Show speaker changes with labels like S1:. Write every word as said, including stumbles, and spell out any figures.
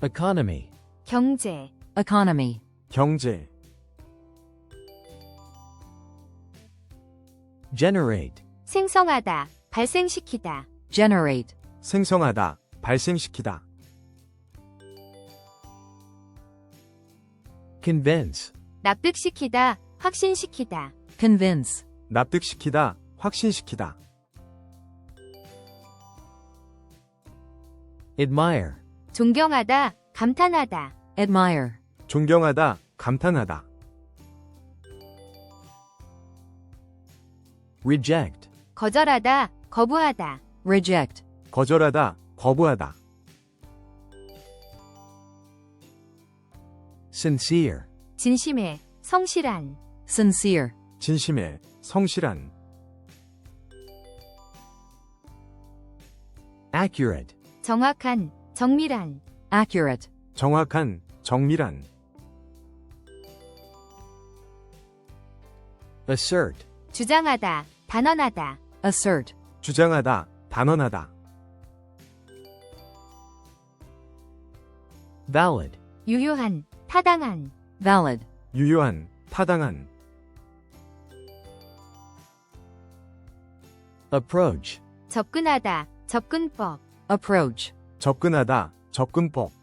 S1: economy,
S2: 경제,
S3: economy,
S4: 경제,
S1: generate,
S2: 생성하다, 발생시키다,
S3: generate,
S4: 생성하다, 발생시키다,
S1: convince,
S2: 납득시키다, 확신시키다,
S3: convince,
S4: 납득시키다, 확신시키다,
S1: admire,
S2: 존경하다, 감탄하다,
S3: admire,
S4: 존경하다, 감탄하다,
S1: reject,
S2: 거절하다, 거부하다,
S3: reject,
S4: 거절하다, 거부하다,
S1: sincere,
S2: 진심에, 성실한,
S3: sincere,
S4: 진심에, 성실한,
S1: accurate,
S2: 정확한, 정밀한,
S3: accurate,
S4: 정확한, 정밀한,
S1: assert,
S2: 주장하다, 단언하다,
S3: assert,
S4: 주장하다, 단언하다,
S1: valid,
S2: 유효한, 타당한,
S3: valid,
S4: 유효한, 타당한,
S1: approach,
S2: 접근하다, 접근법,
S3: approach,
S4: 접근하다, 접근법,